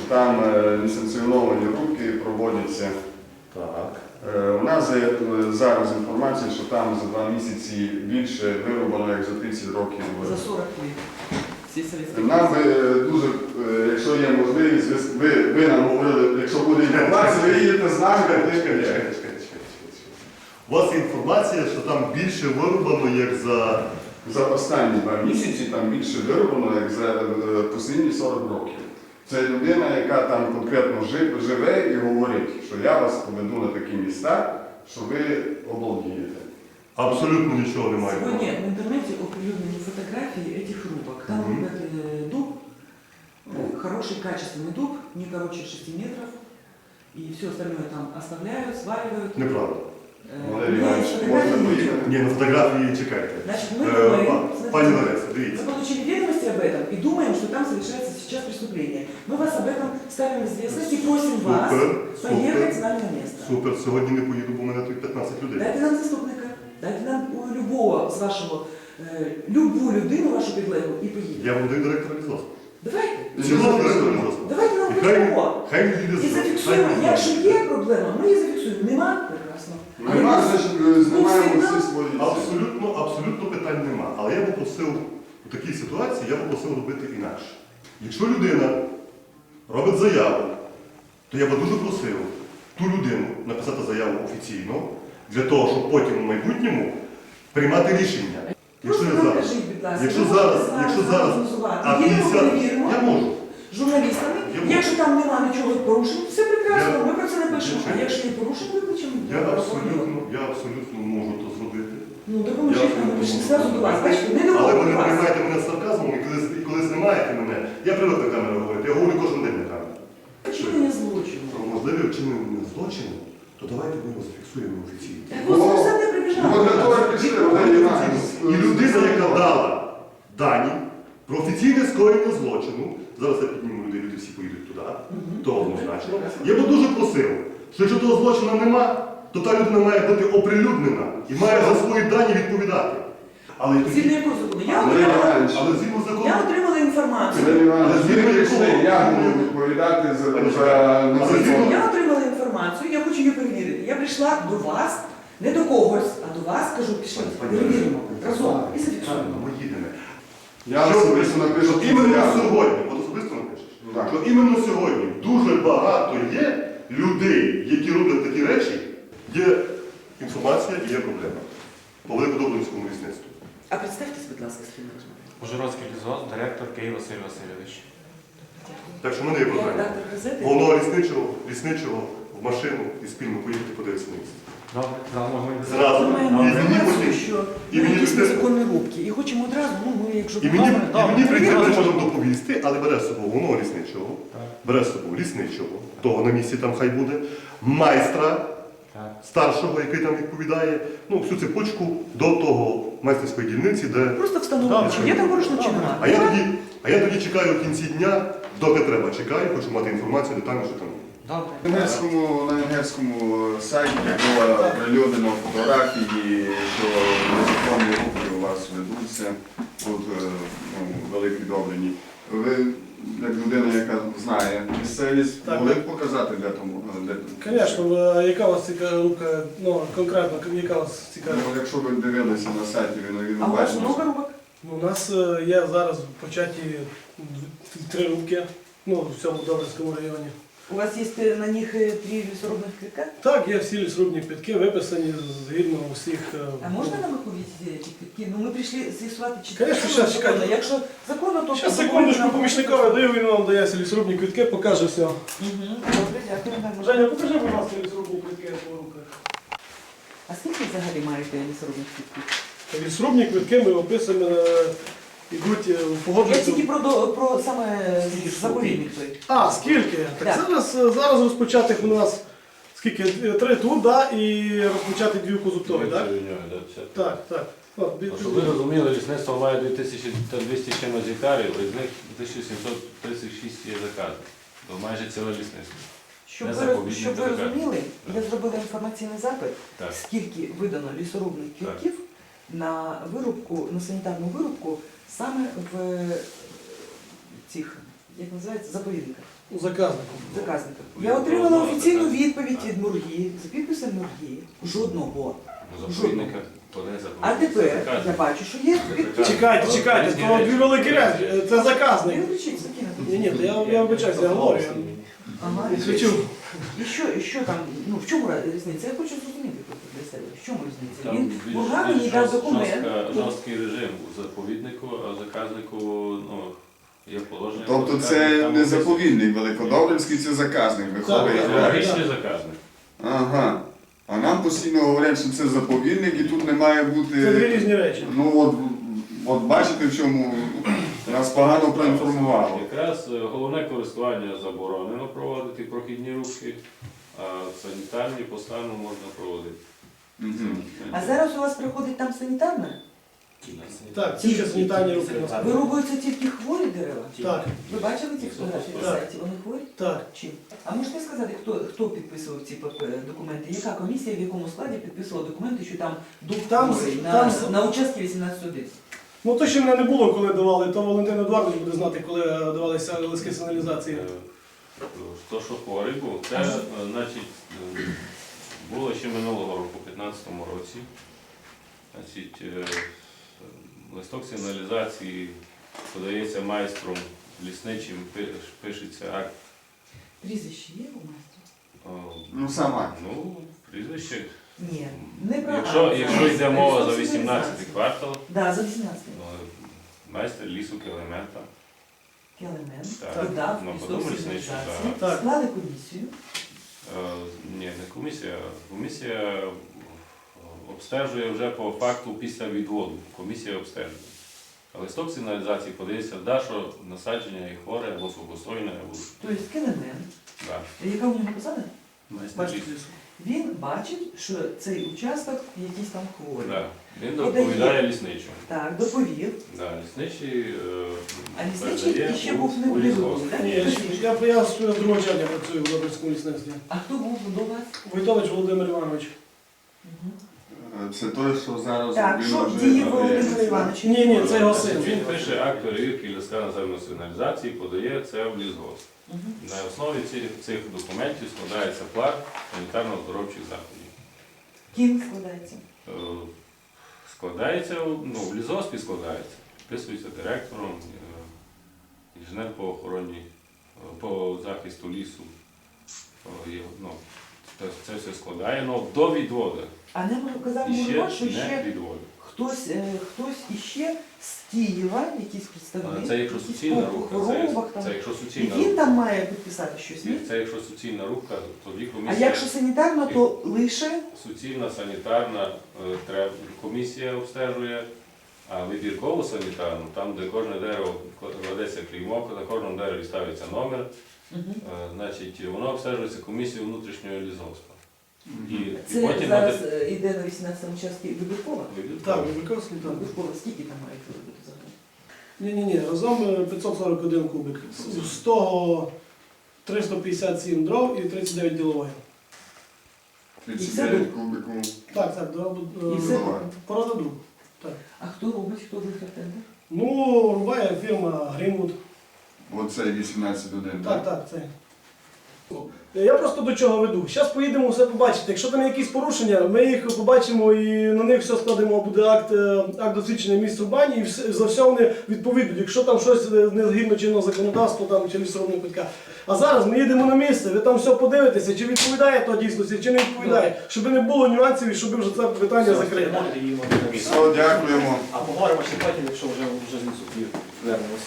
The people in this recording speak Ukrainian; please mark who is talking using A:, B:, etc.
A: там несанкціоновані рубки проводяться.
B: Так.
A: У нас є зараз інформація, що там за 2 місяці більше вирубано, як за 30 років.
C: За 40 років.
A: Нам би дуже, якщо є можливість, ви нам говорили, якщо буде інформація, ви їдете з нами,
B: У вас є інформація, що там більше вирубано, як
A: за останні 2 місяці там більше вирубано, як за останні 40 років. Це людина, яка там конкретно живе і говорить, що я вас поведу на такі міста, що ви обалдієте.
B: абсолютно нічого немає.
C: Сегодня в интернете определенные фотографии этих рубок. Там рубят дуб, хороший качественный дуб, не короче 6 метров. И все остальное там оставляют, сваливают.
B: Неправда.
A: Валерій Іванович, можна поїхати?
B: Ні, на фотографії чекайте.
C: Значит, мы думаем,
B: Пані Лариса, дивіться.
C: мы получили ведомости об этом и думаем, что там совершается сейчас преступление. Мы вас об этом ставим в известность и просим вас поехать с нами на место.
B: Супер, сьогодні не поїду, бо в мене тут 15 людей.
C: Дайте нам заступника, дайте нам любого з вашого, любу людину вашу підлеглу і поїдемо.
B: Я вам даю директора лісгоспу.
C: Давайте.
B: Цілого директора лісгоспу.
C: Давайте нам
B: І
C: будь-кого.
B: хай їде
C: І зафіксуємо, якщо є проблема, ми її зафіксуємо. Нема? Прекрасно.
A: Нема, значить, знімаємо всі свої.
B: Абсолютно питань нема. Але я попросив, у такій ситуації я попросив робити інакше. Якщо людина робить заяву, то я би дуже просив ту людину написати заяву офіційно, для того, щоб потім у майбутньому приймати рішення. Якщо
C: Просто
B: я
C: нам
B: зараз,
C: кажіть, будь ласка,
B: якщо зараз, а
C: їдемо,
B: 50,
C: перевіримо
B: я можу.
C: журналістами.
B: Я можу.
C: Якщо там немає нічого порушень, все прекрасно,
B: Я-
C: ми про це напишемо. А
B: Нічого.
C: якщо є порушень, виключимо.
B: Я абсолютно можу то зробити.
C: Ну, допоможіть нам, ми прийшли зразу до вас. Бачите, не до
B: Але ви
C: кого
B: не
C: до вас.
B: приймаєте мене з сарказмом, і коли знімаєте мене, я привик на камеру говорити, я говорю кожен день на камеру.
C: Вчинення злочину.
B: Про можливе вчинення злочину, то давайте ми його зафіксуємо офіційно.
C: Так ось ви все не прибіжали.
A: Ну, для того і пішли, Валерій Іванович.
B: І людина, яка дала дані про офіційне скоєння злочину, зараз я підніму людей, люди всі поїдуть туди, то однозначно. Я би дуже просив, що якщо того злочину нема, то та людина має бути оприлюднена і має за свої дані відповідати. Але
C: Згідно
B: тоді,
C: якого закону?
A: Валерій Іванович,
B: але згідно закону,
C: Я отримала інформацію.
A: Валерій Іванович, ви прийшли, я буду відповідати за незаконно.
C: Я отримала інформацію, я хочу її перевірити. Я прийшла до вас, не до когось, а до вас, кажу, пішли, перевіримо разом і зафіксуємо.
B: ми їдемо.
A: Я особисто напишу
B: Що іменно
A: заяву.
B: сьогодні, от особисто напишеш,
A: Так.
B: що іменно сьогодні дуже багато є людей, які роблять такі речі, є інформація і є проблема. По Великодобринському лісництву.
C: А представтесь, будь ласка, з ким ми розмовляємо.
D: Ужгородський лісгосп, директор Київ Василь Васильович.
B: Так що в мене є
C: Я
B: прохання.
C: редактор газети.
B: Головного лісничого в машину і спільно поїхати подивитися на місце.
D: Добре, зараз можемо йти.
B: Зразу.
C: Ми маємо
B: І мені
C: інформацію,
B: потім.
C: що
B: і мені
C: якісь
B: тут-
C: незаконні рубки. І хочемо одразу, ну, ми, якщо
B: І мені прийти
C: перевіримо.
B: вечором доповісти, але бере з собою головного лісничого, бере з собою лісничого, того на місці там хай буде, майстра
D: Так.
B: старшого, який там відповідає, ну, всю цепочку до того майстерської дільниці, де...
C: Просто встановлено, чи є там порушення, чи немає.
B: А я тоді чекаю в кінці дня, доки треба чекаю, хочу мати інформацію детально, що там.
C: Добре.
A: На венгерському сайті було оприлюднено фотографії, що незаконні рухи у вас ведуться тут в Великій Добрині. Ви, як людина, яка знає місцевість,
E: Так.
A: могли б показати, де тому?
E: Звісно, яка у вас цікава рубка, ну конкретно, яка у вас цікава?
A: Ну, якщо ви дивилися на сайті, ви
C: А у вас
A: бачите.
C: много рубок?
E: Ну, у нас є зараз початі 3 рубки, ну, в цьому Добринському районі.
C: У вас є на них 3 лісорубних квитка?
E: Так, є всі лісорубні квитки, виписані згідно усіх.
C: А можна нам їх увидіти, ці квитки? Ну ми прийшли з'ясувати, чи
E: Конечно,
C: це
E: щас,
C: законно.
E: чекайте.
C: Якщо законно, то...
E: Зараз секундочку, помічникове даю, він вам дає ці лісорубні квитки, покаже все.
C: Добре, дякую.
E: Женя, покажи, будь ласка, лісорубні квитки по руках.
C: А скільки взагалі маєте лісорубних квитків?
E: Лісорубні квитки ми описуємо, йдуть в
C: Я
E: погоджуються.
C: тільки про саме заповідник той.
E: А, скільки? Так
C: Так.
E: зараз розпочатих у нас скільки? 3 тут, да, і розпочати 2 козуптові, так? Так, так. От,
F: Щоб ви розуміли, лісництво має 2200 чимось гектарів, із них 1736 є заказів. То майже ціле лісництво.
C: Щоб
F: Не
C: ви,
F: заповідник,
C: щоб ви
F: не така.
C: розуміли,
F: Так.
C: я зробила інформаційний запит,
F: Так.
C: скільки видано лісорубних
F: Так.
C: квитків на вирубку, на санітарну вирубку саме в цих як називається, заповідника.
E: У заказнику.
C: Заказника. Я отримала офіційну відповідь від Мургі, за підписом Мургі. Жодного.
F: Заповідника, коли
C: А тепер я бачу, що є підпис.
E: Чекайте, то дві великі речі. Це
C: Не
E: заказник.
C: виключіть, закинути.
E: Ні, то я вибачаюся, я говорю.
C: Ага.
E: Я свічу.
C: І що там, ну в чому різниця? Я хочу зрозуміти просто для себе. В чому різниця?
F: Там
C: Він
F: більш-
C: Мурга
F: більш
C: мені дав документ.
F: жорсткий режим у заповіднику, а заказнику ну, є положення.
A: Тобто
F: про
A: це
F: заказник,
A: не
F: там
A: заповідник Великодобринський, це заказник виходить.
E: Так,
F: Географічний заказник.
A: Ага. А нам постійно говорять, що це заповідник і тут не має
E: Це дві
A: бути.
E: різні речі.
A: Ну от бачите, в чому нас погано проінформувало.
F: Якраз головне користування заборонено проводити прохідні рухи, а санітарні по стану можна проводити.
A: Мгм.
C: А зараз у вас приходить там санітарна?
E: Так, тільки санітарні руки на себе.
C: Вирубуються тільки хворі дерева?
E: Так,
C: Ви бачили ці фотографії на
E: Так.
C: сайті? Вони хворі?
E: так.
C: Чим? А можете сказати, хто підписував ці документи? Яка комісія, в якому складі підписувала документи, що там дух
E: Там-
C: хворий
E: там-
C: на участки 18.1?
E: Ну то ще мене не було, коли давали, то Валентин Едуардович буде знати, коли давалися листки сигналізації.
F: То, що хворий був, це значить, було ще минулого року, у 2015 році. Значить, листок сигналізації подається майстром лісничим, пишеться акт.
C: Прізвище є у майстра?
A: Ну сама.
F: Ну, прізвище.
C: Ні, не про
F: Якщо йде мова за
C: Листок
F: 18
C: сигналізації.
F: квартал,
C: Да, за 18
F: ну, майстер лісу Келемента.
C: елемент,
F: Так.
C: додав
F: Ну,
C: листок
F: подумали,
C: сигналізації,
E: що так.
C: склали комісію.
F: Ні, не комісія. Комісія обстежує вже по факту після відводу. Комісія обстежує. А листок сигналізації подається, да, що насадження є хворе або сухостойне, або
C: Тобто елемент,
F: да.
C: яка у нього посада?
F: Майстер
E: Бачите
F: лісу.
E: лісу.
C: Він бачить, що цей участок якийсь там хворий.
F: Да. Він
C: Подає.
F: доповідає лісничому.
C: Так, доповів.
F: Да, лісничий
C: А лісничий
F: передає
C: ще
F: у-
C: був не
F: у
C: в
F: лісгосп.
C: лісгоспі, так?
E: Ні, я з 2 червня працюю в Добринському лісництві.
C: А хто був до вас?
E: Войтович Володимир Іванович.
C: Мгм.
A: Це той, що зараз
C: Так,
A: він
C: що
A: вже
C: діє
A: надається.
C: Володимир Іванович?
E: Ні, це його син.
F: Він пише акт перевірки листка наземної сигналізації, подає це в лісгосп.
C: Мгм.
F: На основі цих документів складається план санітарно-оздоровчих заходів.
C: Ким складається?
F: Е, Складається, ну, в лісгоспі складається, підписується директором, інженер по охороні, по захисту лісу. Ну, це все складає, але до відводу.
C: А не казав
F: І ще
C: Мурга, що
F: не
C: ще
F: відводу.
C: хтось іще з Києва, якийсь представник,
F: Це якщо
C: якийсь
F: суцільна
C: по
F: рубка,
C: хворобах там.
F: це якщо
C: І
F: суцільна
C: він
F: рубка.
C: там має підписати щось, ні?
F: Це якщо суцільна рубка, тоді
C: А
F: комісія.
C: якщо санітарно, то лише
F: Суцільна санітарна комісія обстежує, а вибіркову санітарну, там, де кожне дерево кладеться клеймо, на кожному дереві ставиться номер, значить, воно обстежується комісією внутрішнього лісгоспу. І
C: це
F: потім
C: зараз іде на 18 участку вибіркова.
E: Так, Вибірковський, так.
C: Вибіркова, скільки там має робити взагалі?
E: Ні, разом 541 кубик. З того 357 дров і 39 ділової.
A: 39 кубиків.
E: Так,
C: І все
A: давай.
E: порода друг.
C: А хто робить, хто виграв тендер?
E: Ну, рубає фірма Грінвуд.
A: Оцей 18-1,
E: Так, це. Я просто до чого веду. Зараз поїдемо все побачити. Якщо там є якісь порушення, ми їх побачимо і на них все складемо, буде акт досвідчення місць рубання і за все вони відповідуть. Якщо там щось не згідно чинного законодавства там, чи лісорубного квитка. А зараз ми їдемо на місце, ви там все подивитеся, чи відповідає то дійсності, чи не відповідає, щоб не було нюансів і щоб вже це питання закрити.
A: Все, дякуємо.
G: А поговоримо ще потім, якщо вже з лісу вернемося.